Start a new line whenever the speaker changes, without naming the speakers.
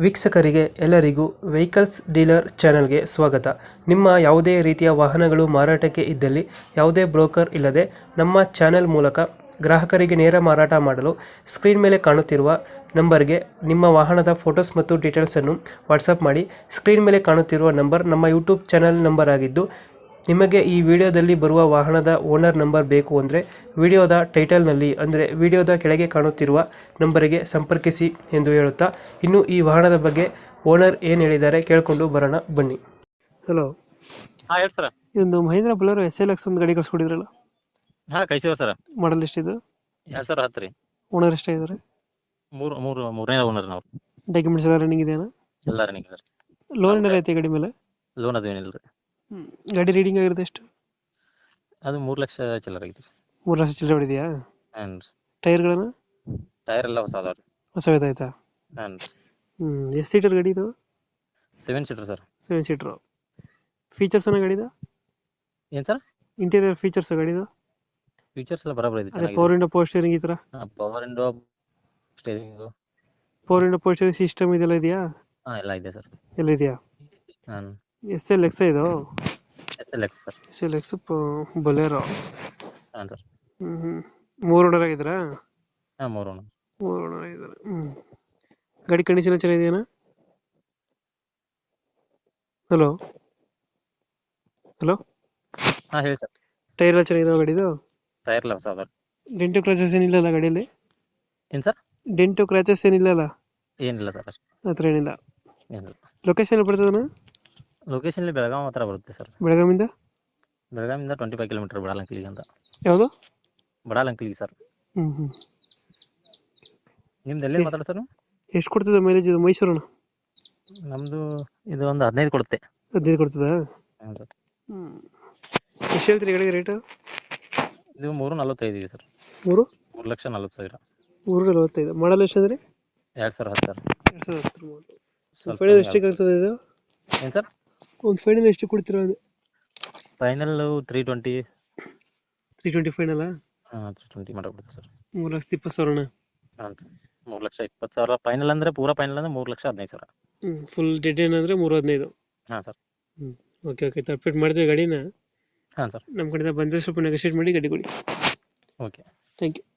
ವೀಕ್ಷಕರಿಗೆ ಎಲ್ಲರಿಗೂ vehicles dealer ಚಾನೆಲ್ಗೆ ಸ್ವಾಗತ. ನಿಮ್ಮ ಯಾವುದೇ ರೀತಿಯ ವಾಹನಗಳು ಮಾರಾಟಕ್ಕೆ ಇದ್ದಲ್ಲಿ ಯಾವುದೇ ಬ್ರೋಕರ್ ಇಲ್ಲದೆ ನಮ್ಮ ಚಾನೆಲ್ ಮೂಲಕ ಗ್ರಾಹಕರಿಗೆ ನೇರ ಮಾರಾಟ ಮಾಡಲು ಸ್ಕ್ರೀನ್ ಮೇಲೆ ಕಾಣುತ್ತಿರುವ ನಂಬರ್ಗೆ ನಿಮ್ಮ ವಾಹನದ ಫೋಟೋಸ್ ಮತ್ತು ಡೀಟೇಲ್ಸನ್ನು ವಾಟ್ಸಪ್ ಮಾಡಿ. ಸ್ಕ್ರೀನ್ ಮೇಲೆ ಕಾಣುತ್ತಿರುವ ನಂಬರ್ ನಮ್ಮ ಯೂಟ್ಯೂಬ್ ಚಾನೆಲ್ ನಂಬರ್ ಆಗಿದ್ದು, ನಿಮಗೆ ಈ ವಿಡಿಯೋದಲ್ಲಿ ಬರುವ ವಾಹನದ ಓನರ್ ನಂಬರ್ ಬೇಕು ಅಂದರೆ ವಿಡಿಯೋದ ಟೈಟಲ್ನಲ್ಲಿ ಅಂದರೆ ವಿಡಿಯೋದ ಕೆಳಗೆ ಕಾಣುತ್ತಿರುವ ನಂಬರಿಗೆ ಸಂಪರ್ಕಿಸಿ ಎಂದು ಹೇಳುತ್ತಾ, ಇನ್ನು ಈ ವಾಹನದ ಬಗ್ಗೆ ಓನರ್ ಏನು ಹೇಳಿದ್ದಾರೆ ಕೇಳಿಕೊಂಡು ಬರೋಣ ಬನ್ನಿ. ಹಲೋ,
ಹಾ ಹೇಳಿ ಸರ್.
ಇದೊಂದು ಮಹೇಂದ್ರ ಬೊಲೆರೋ SLX ಒಂದು ಗಾಡಿ ಕಳ್ಸ್ಕೊಡಿದ್ರಲ್ಲ,
ಹಾ ಕಳಿಸಿವ ಸರ್.
ಮಾಡಲ್ ಎಷ್ಟಿದೆ,
2010 ರೀ.
ಓನರ್ ಎಷ್ಟಾಗಿದ್ದಾರೆ,
ಮೂರನೇ ಓನರ್ ನಾವು.
ಡಾಕ್ಯುಮೆಂಟ್ಸ್ ಎಲ್ಲ ರನ್ನಿಂಗ್ ಇದೆಯಾ,
ಎಲ್ಲ ರನ್ನಿಂಗ್ ಸರ್.
ಲೋನ್ ಏನಾರ ಐತೆ ಗಾಡಿ ಮೇಲೆ?
ಲೋನ್ ಅದು ಏನಿಲ್ಲ ರೀ.
ಗಾಡಿ ರೀಡಿಂಗ್ ಆಗಿರುತ್ತೆ ಎಷ್ಟು?
ಅದು 3 ಲಕ್ಷ ಚಿಲ್ಲರ್ ಆಗೈತಿ.
3 ಲಕ್ಷ ಚಿಲ್ಲರೆ ಹೊಡಿದೆಯಾ?
ಹಾಂ ರೀ.
ಟೈರ್ಗಳನ್ನು
ಟೈರ್ ಎಲ್ಲ ಹೊಸ ಅದಾವ ರೀ.
ಹೊಸದಾಯ್ತಾ?
ಹಾಂ ರೀ.
ಎಷ್ಟು ಸೀಟರ್ ಗಾಡಿ ಇದು?
7 ಸೀಟರ್ ಸರ್.
7 ಸೀಟ್ರು. ಫೀಚರ್ಸ್ ಅನ್ನೋ ಗಾಡಿದು?
ಏನು ಸರ್?
ಇಂಟೀರಿಯರ್ ಫೀಚರ್ಸ್ ಗಾಡಿದು?
ಫೀಚರ್ಸ್ ಎಲ್ಲ ಬರಾಬರ್ ಐತಿ,
ಅದೇ
ಚೆನ್ನಾಗಿದೆ.
ಪವರ್ ವಿಂಡೋ, ಪವರ್ ಸ್ಟೀರಿಂಗ್ ಈ ಥರ?
Power window, steering,
power window, power steering system ಇದೆಲ್ಲ ಇದೆಯಾ?
ಹಾಂ ಎಲ್ಲ ಇದೆ ಸರ್.
ಎಲ್ಲ ಇದೆಯಾ?
ಹಾಂ
SLX ಇದು?
SLX sir.
SLX Bolero.
ಹಾಂ ಸರ್.
3 ಓನರ್ ಆಗಿದ್ರಾ?
ಹಾಂ 3 ಓನರ್.
3 ಓನರ್ ಆಗಿದ್ದಾರೆ. ಗಾಡಿ ಕಂಡೀಷನ್ ಚೆನ್ನಾಗಿದೆಯಾ? ಹಲೋ ಹಲೋ,
ಹಾಂ ಹೇಳಿ ಸರ್.
ಟೈರ್ ಎಲ್ಲ ಚೆನ್ನಾಗಿದಾವೆ ಗಾಡಿದು?
ಟೈರ್ ಎಲ್ಲ ಹೊಸ ಅದಾವ ರೀ.
ಡೆಂಟು ಕ್ರಾಚಸ್ ಏನಿಲ್ಲಲ್ಲ ಗಾಡಿಯಲ್ಲಿ?
ಏನು ಸರ್?
Dent scratches ಏನಿಲ್ಲಲ್ಲ?
ಏನಿಲ್ಲ ಸರ್, ಅಷ್ಟು
ಆ ಥರ ಏನಿಲ್ಲ.
ಏನಿಲ್ಲ.
ಲೊಕೇಶನ್ ಬರ್ತದಣ್ಣ?
ಲೊಕೇಶನ್ ಬೆಳಗಾವಿ ಹತ್ರ ಬರುತ್ತೆ ಸರ್.
ಬೆಳಗಾವಿಂದ?
ಬೆಳಗಾವಿಯಿಂದ 25 ಕಿಲೋಮೀಟರ್ ಬಡಾಲಂಕಲಿಗೆ ಅಂತ.
ಯಾವುದು?
ಬಡಾಲಂಕಲಿಗೆ ಸರ್. ನಿಮ್ದು ಎಲ್ಲಿ ಮಾತಾಡ ಸರ್?
ಎಷ್ಟು ಕೊಡ್ತದೆ ಮೈಲೇಜ್ ಇದು? ಮೈಸೂರಣ್ಣ?
ನಮ್ಮದು ಇದು ಒಂದು 15 ಕೊಡುತ್ತೆ.
15 ಕೊಡ್ತದಾ?
ಹಾಂ ಸರ್.
ಎಷ್ಟು ಹೇಳ್ತೀರಿ ಗಾಡಿಗೆ ರೇಟು?
ಇದು 345 ಇದೆ ಸರ್. 3,40,000.
345. ಮಾಡಲ್ ಎಷ್ಟು ಅಂದರೆ?
2010 ಸರ್.
2010 ಮಾಡಲ್. ಫೈನಲ್ ಎಷ್ಟಕ್ಕೆ ಆಗ್ತದೆ ಇದು?
ಏನು ಸರ್?
ಒಂದು ಫೈನಲ್ ಎಷ್ಟು ಕೊಡ್ತೀರಾ ಅದು?
ಫೈನಲ್ 320.
320 ಫೈನಲ್ಲ?
ಹಾಂ 320 ಮಾಡಬಿಡುತ್ತೆ ಸರ್.
3,20,000.
ಹಾಂ ಸರ್. 3,20,000 ಫೈನಲ್ ಅಂದರೆ, ಪೂರಾ ಫೈನಲ್ ಅಂದರೆ 3,15,000.
ಫುಲ್ ಡೆಡ್ ಏನಂದರೆ 315.
ಹಾಂ ಸರ್.
ಓಕೆ ಓಕೆ, ಅಪ್ಡೇಟ್ ಮಾಡ್ತೀವಿ ಗಾಡಿನ.
ಹಾಂ ಸರ್.
ನಮ್ಮ ಕಡೆಯಿಂದ ಬಂದರೆ ಸ್ವಲ್ಪ ನೆಗೋಷಿಯೇಟ್ ಮಾಡಿ ಗಾಡಿ ಕೊಡಿ.
ಓಕೆ.
Thank you.